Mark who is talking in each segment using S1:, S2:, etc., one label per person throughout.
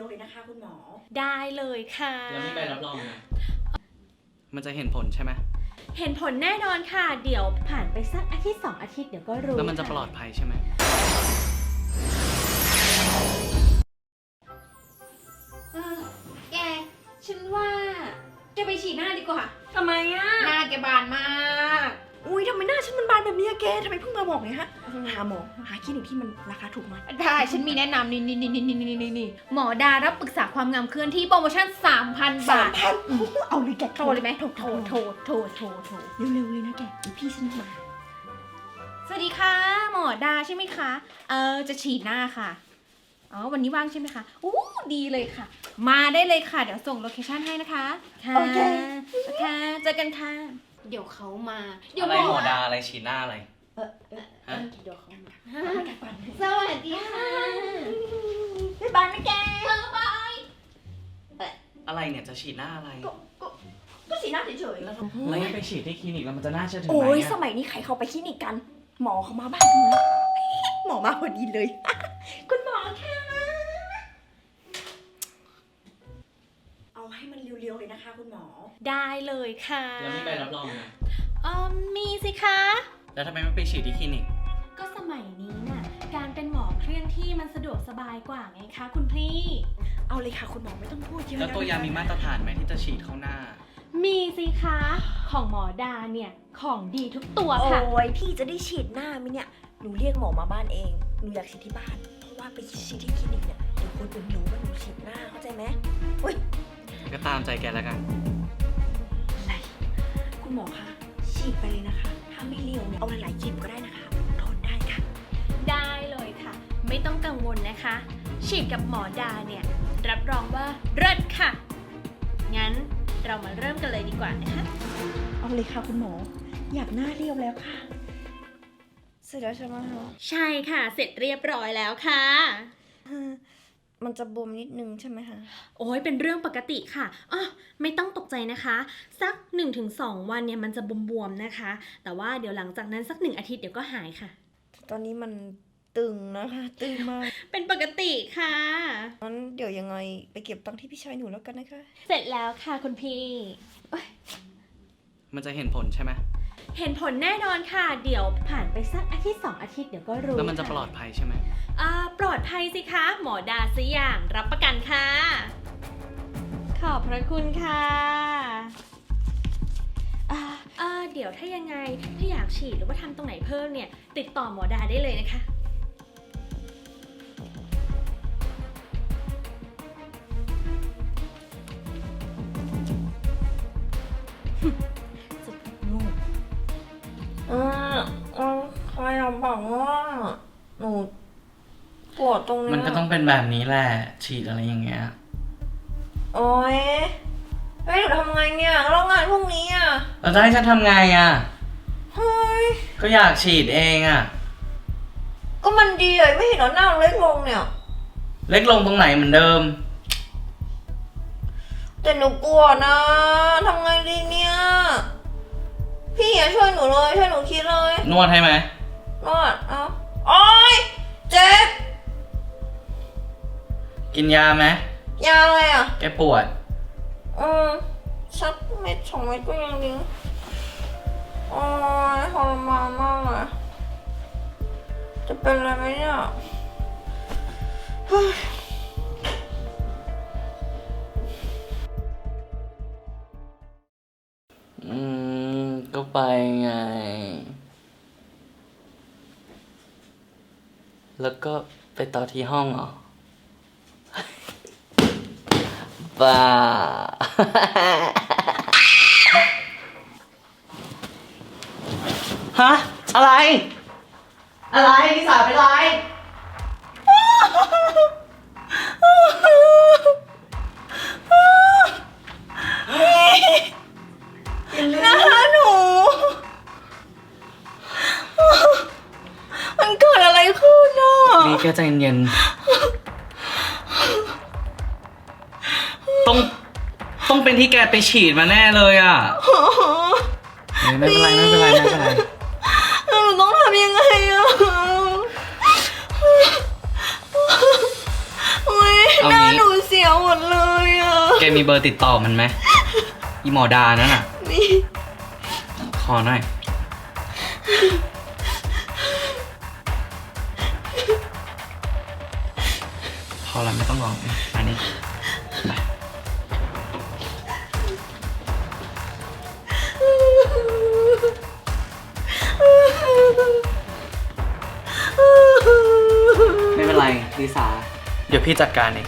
S1: วๆเลยนะคะคุณหมอ
S2: ได้เลยค่ะ
S3: แล้วมีใบรับรองไหมมันจะเห็นผลใช่ไหม
S2: เห็นผลแน่นอนค่ะ เดี๋ยวผ่านไปสักอาทิตย์2 อาทิตย์เดี๋ยวก็รู้
S3: แล้วมันจะปลอดภัยใช่ไหม
S2: แกฉันว่าแกไปฉีดหน้าดีกว่า
S1: ทำไมอะ
S2: หน้าแกบานมาก
S1: อุ้ยทำไมหน้าฉันมันบานแบบนี้อะแกทำไมเพิ่งมาบอกเนี่ยฮะหาหมอหาคลินิกที่มันราคาถูกหน่อย
S2: ได้ฉันมีแนะนำนี่หมอดารับปรึกษาความงามเคลื่อนที่โปรโมชั่น 3,000 บาท
S1: 3,000เอาเลยแก
S2: โทรเลยไหมโทร
S1: เร็วๆเลยนะแกพี่ฉันมา
S2: สวัสดีค่ะหมอดาใช่ไหมคะจะฉีดหน้าค่ะอ๋อวันนี้ว่างใช่ไหมคะอู้ดีเลยค่ะมาได้เลยค่ะเดี๋ยวส่งโลเคชั่นให้นะคะค่ะโอเคเจอกันค่ะเดี๋ยวเขามาเดี๋ยว
S3: อะไรหมอดาอะไรฉีดหน้าอะไรฮะ
S2: เดี๋ยวเขามาสวัสดีค่ะ
S1: บ๊ายบายนะแก
S2: บาย
S3: อะไรเนี่ยจะฉีดหน้าอะไร
S1: ก็สีหน้าเฉยๆ
S3: แล้วให้ไปฉีดที่คลินิกแล้วมันจะน่าเชื่อถือไหม
S1: โอ้ยสมัยนี้ใครเข้าไปคลินิกกัน หมอเขามาบ้านหนูแล้วหมอมาพอดีเลย คุณหมอค่ะเอาให้มันเร็วๆเลยนะคะคุณหมอ
S2: ได้เลยค่ะ
S3: แล้วมีใบรับรองไหม
S2: มีสิคะ
S3: แล้วทำไมไม่ไปฉีดที่คลินิก
S2: ก็สมัยนี้น่ะการเป็นหมอเคลื่อนที่มันสะดวกสบายกว่าไงคะคุณพี่
S1: เอาเลยค่ะคุณหมอไม่ต้องพูดเยอะ
S3: แล้วตัวยามีมาตรฐานไหมที่จะฉีดเข้าหน้า
S2: มีสิคะของหมอดาเนี่ยของดีทุกตัวค่ะ
S1: โอ้ยพี่จะได้ฉีดหน้ามิเนี่ยหนูเรียกหมอมาบ้านเองหนูอยากฉีดที่บ้านเพราะว่าไปฉีดที่คลินิกเนี่ยเดี๋ยวคนอื่นรู้ว่าหนูฉีดหน้าเข้าใจไหมอุ้ย
S3: ก็ตามใจแกแล้วกัน
S1: อะไรคุณหมอคะฉีดไปเลยนะคะถ้าไม่เร็วเนี่ยเอาหลายๆจิบก็ได้นะคะทนได้ค่ะ
S2: ได้เลยค่ะไม่ต้องกังวลนะคะฉีดกับหมอดาเนี่ยรับรองว่าเลิศค่ะงั้นเรามาเริ่มกันเลยดีกว่านะคะ
S1: เอาเลยค่ะคุณหมออยากหน้าเรียวแล้วค่ะเสร็จแล้วใช่ไหมคะ
S2: ใช่ค่ะเสร็จเรียบร้อยแล้วค่ะ
S1: มันจะบวมนิดนึงใช่ไหมคะ
S2: โอ้ยเป็นเรื่องปกติค่ะอ๋อไม่ต้องตกใจนะคะสัก 1-2 วันเนี่ยมันจะบวมๆนะคะแต่ว่าเดี๋ยวหลังจากนั้นสัก1 อาทิตย์เดี๋ยวก็หายค่ะ
S1: ตอนนี้มันตึงนะคะตึงมาก
S2: เป็นปกติค่ะ
S1: งั้นเดี๋ยวยังไงไปเก็บตังค์ที่พี่ชายหนูแล้วกันนะคะ
S2: เสร็จแล้วค่ะคุณพี่
S3: มันจะเห็นผลใช่ไหม
S2: เห็นผลแน่นอนค่ะเดี๋ยวผ่านไปสักอาทิตย์2 อาทิตย์เดี๋ยวก็รู้
S3: แล้วมันจะปลอดภัยใช่ไหม
S2: ปลอดภัยสิคะหมอดาซิอย่างรับประกันค่ะขอบพระคุณค่ะเดี๋ยวถ้ายังไงถ้าอยากฉีดหรือว่าทำตรงไหนเพิ่มเนี่ยติดต่อหมอดาได้เลยนะคะ
S1: ใครบอกว่าหนูปวดตรงนี้
S3: มันก็ต้องเป็นแบบนี้แหละฉีดอะไรอย่างเงี้ย
S1: โอ๊ยหนูทำไงเนี่ยแล้วงานพรุ่งนี้อ่ะ
S3: แล้วจะให้ฉันทำไงอ่ะ
S1: เฮ้ย
S3: ก็อยากฉีดเองอ่ะ
S1: ก็มันดีเลยไม่เห็นหน้าเล็กลงเนี่ย
S3: เล็กลงตรงไหนเหมือนเดิม
S1: แต่หนูปวดนะทำไงดีเนี่ยพี่อย่าช่วยหนูเลยช่วยหนูคิดเลย
S3: นวดให้ไหม
S1: นวดโอ๊ยเจ็บ
S3: กินยาไหม
S1: ยาอะไรอ่ะ
S3: แกปวด
S1: สักเม็ด2 เม็ดก็ยังดีโอ๊ยทรมานมากเลยจะเป็นอะไรไหมเนี่ย
S3: ก็ไปไงแล้วก็ไปต่อที่ห้องเหรอบ้าฮะอะไรนิสาเป็นไร
S1: นะคะหนูมันเกิดอะไรขึ้นอ่ะ
S3: นี่แกใจเย็นต้องเป็นที่แกไปฉีดมาแน่เลยอ่ะไม่เป็นไรห
S1: นูต้องทำยังไงอ่ะโอ๊ยหน้าหนูเสียหมดเลยอ่ะ
S3: แกมีเบอร์ติดต่อมันไหมอีหมอดานั่นน่ะ
S1: นี่
S3: ขอหน่อย พอแล้วไม่ต้องร้องอันนี้ไป ไม่เป็นไรลิสา เดี๋ยวพี่จัดการเอง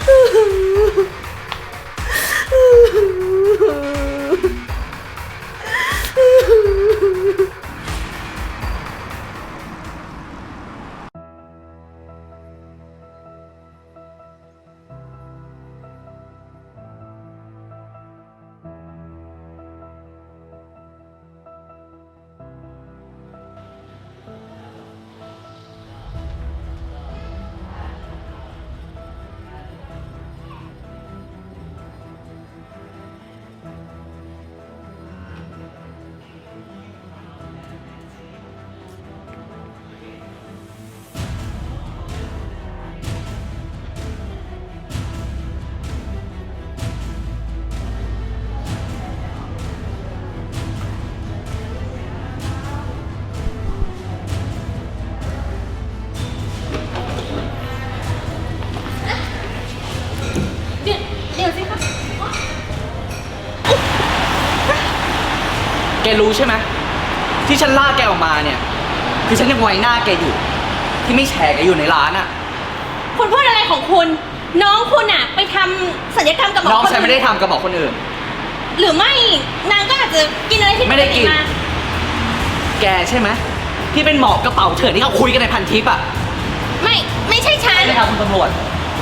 S2: เดี๋ยวสิคะ
S3: แกรู้ใช่ไหมที่ฉันลากแกออกมาเนี่ย คือฉันยังไว้หน้าแกอยู่ ที่ไม่แฉแกอยู่ในร้านอะ
S2: คุณพูดอะไรของคุณ น้องคุณอะไปทำศัลยกรรมกับหมอ
S3: น้อง
S2: คน
S3: ฉันไม่ได้
S2: อื่น
S3: ทำกับหมอคนอื่น
S2: หรือไม่นางก็อาจจะกินอะไรที่
S3: ไม่ได้กิน
S2: มา
S3: แกใช่ไหมที่เป็นหมอกระเป๋าเถื่อนที่เขาคุยกันในพันทิปอะ
S2: ไม่ใช่ฉัน
S3: ใช่ไหมครับคุณตำรวจ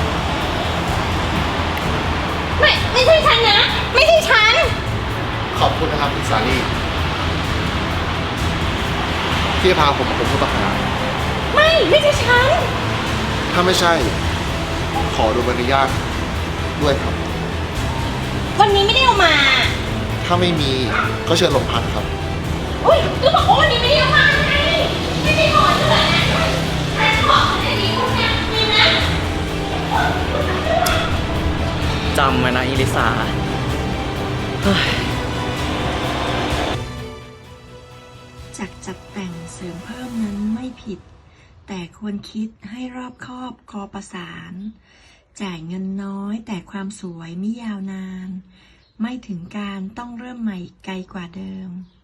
S2: ไม่ใช่ฉันนะ ไม่ใช่ฉัน
S4: ขอบคุณนะครับคุณสาลีที่พาผมมาเป็นผู้ต้องหา
S2: ไม่ใช่ฉัน
S4: ถ้าไม่ใช่ ขอดูใบอนุญาตด้วยครับ
S2: วันนี้ไม่ได้เอามา
S4: ถ้าไม่มีก็เชิญโรงพักครับ
S2: อุ้ยก็บอกว่าวันนี้ไม่ได้เอามาไงไม่ได้ขอเถอะนะฉันขอให้ดีคุณเนี่ยมีนะ
S3: จำไว้นะอิลิสาเฮ้ย
S5: จากจัดแต่งเสริมเพิ่มนั้นไม่ผิด แต่ควรคิดให้รอบคอบคอประสาน จ่ายเงินน้อยแต่ความสวยไม่ยาวนาน ไม่ถึงการต้องเริ่มใหม่ไกลกว่าเดิม